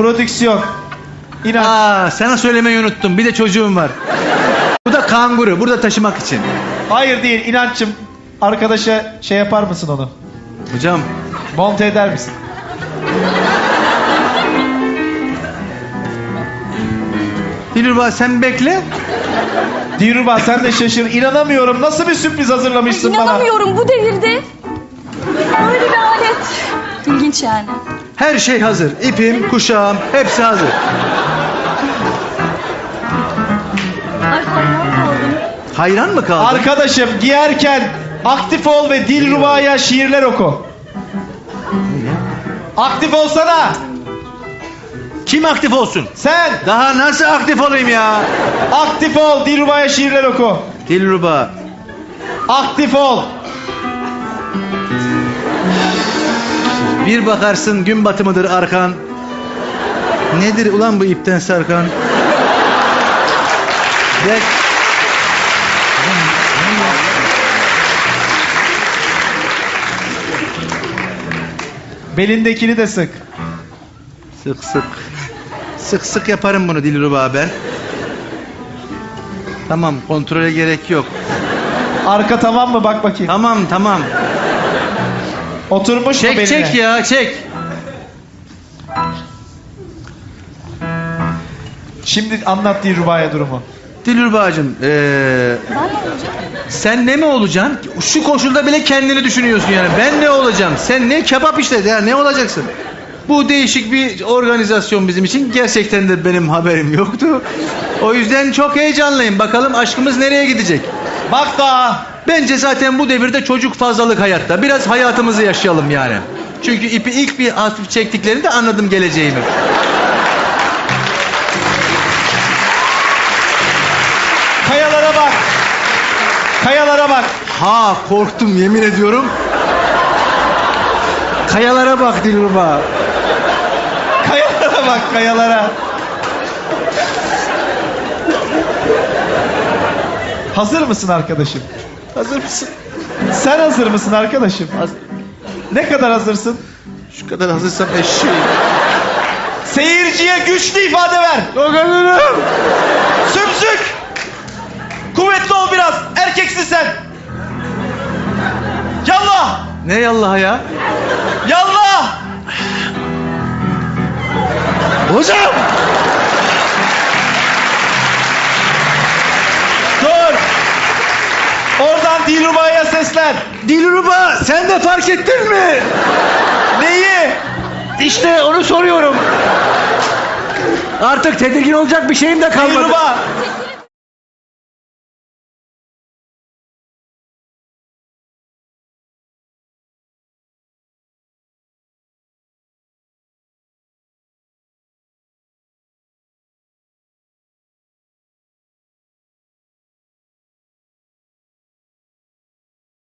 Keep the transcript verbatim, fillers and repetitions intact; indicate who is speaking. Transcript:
Speaker 1: Prodüksiyon. İnanç.
Speaker 2: Aa, sana söylemeyi unuttum. Bir de çocuğum var. Bu da kanguru. Burada taşımak için.
Speaker 1: Hayır değil İnanç'cığım. Arkadaşa şey yapar mısın onu?
Speaker 2: Hocam.
Speaker 1: Monte eder misin?
Speaker 2: Dilruba sen bekle.
Speaker 1: Dilruba sen de şaşır. İnanamıyorum. Nasıl bir sürpriz hazırlamışsın bana?
Speaker 3: İnanamıyorum bu devirde. Böyle bir alet. İlginç yani.
Speaker 2: Her şey hazır. İpim, kuşağım hepsi hazır.
Speaker 3: Ay hayran kaldım.
Speaker 2: Hayran mı kaldın?
Speaker 1: Arkadaşım giyerken aktif ol ve Dilruba'ya şiirler oku. Aktif olsana.
Speaker 2: Kim aktif olsun?
Speaker 1: Sen
Speaker 2: Daha nasıl aktif olayım ya?
Speaker 1: aktif ol. Dilruba'ya şiirler oku.
Speaker 2: Dilruba.
Speaker 1: Aktif ol.
Speaker 2: Bir bakarsın gün batımıdır arkan. Nedir ulan bu ipten sarkan? Gel.
Speaker 1: Belindekini de sık.
Speaker 2: Sık sık. Sık sık yaparım bunu Dilruba ben. Tamam, kontrole gerek yok.
Speaker 1: Arka tamam mı? Bak bakayım.
Speaker 2: Tamam tamam.
Speaker 1: Oturmuş mu
Speaker 2: Çek
Speaker 1: beline?
Speaker 2: çek ya çek.
Speaker 1: Şimdi anlat Dilruba'ya durumu.
Speaker 2: Dilruba'cığım ee,
Speaker 3: Ben ne olacağım?
Speaker 2: sen ne mi olacaksın? Şu koşulda bile kendini düşünüyorsun yani. Ben ne olacağım? Sen ne kebap işte ya ne olacaksın? Bu değişik bir organizasyon bizim için. Gerçekten de benim haberim yoktu. O yüzden çok heyecanlıyım. Bakalım aşkımız nereye gidecek?
Speaker 1: Bak daha.
Speaker 2: Bence zaten bu devirde çocuk fazlalık hayatta. Biraz hayatımızı yaşayalım yani. Çünkü ipi ilk bir hafif çektiklerinde anladım geleceğimi.
Speaker 1: Kayalara bak. Kayalara bak.
Speaker 2: Ha korktum yemin ediyorum. Kayalara bak Dilruba.
Speaker 1: Kayalara bak kayalara. Hazır mısın arkadaşım?
Speaker 2: Hazır mısın?
Speaker 1: Sen hazır mısın arkadaşım?
Speaker 2: Hazır.
Speaker 1: Ne kadar hazırsın?
Speaker 2: Şu kadar hazırsam eşeğim.
Speaker 1: Seyirciye güçlü ifade ver.
Speaker 2: Dokanırım.
Speaker 1: Sümsük. Kuvvetli ol biraz. Erkeksin sen. Yallah.
Speaker 2: Ne yallah ya?
Speaker 1: Yallah.
Speaker 2: Hocam.
Speaker 1: Dur. Oradan Dilruba'ya seslen.
Speaker 2: Dilruba sen de fark ettin mi?
Speaker 1: Neyi?
Speaker 2: İşte onu soruyorum. Artık tedirgin olacak bir şeyim de kalmadı.
Speaker 1: Dilruba.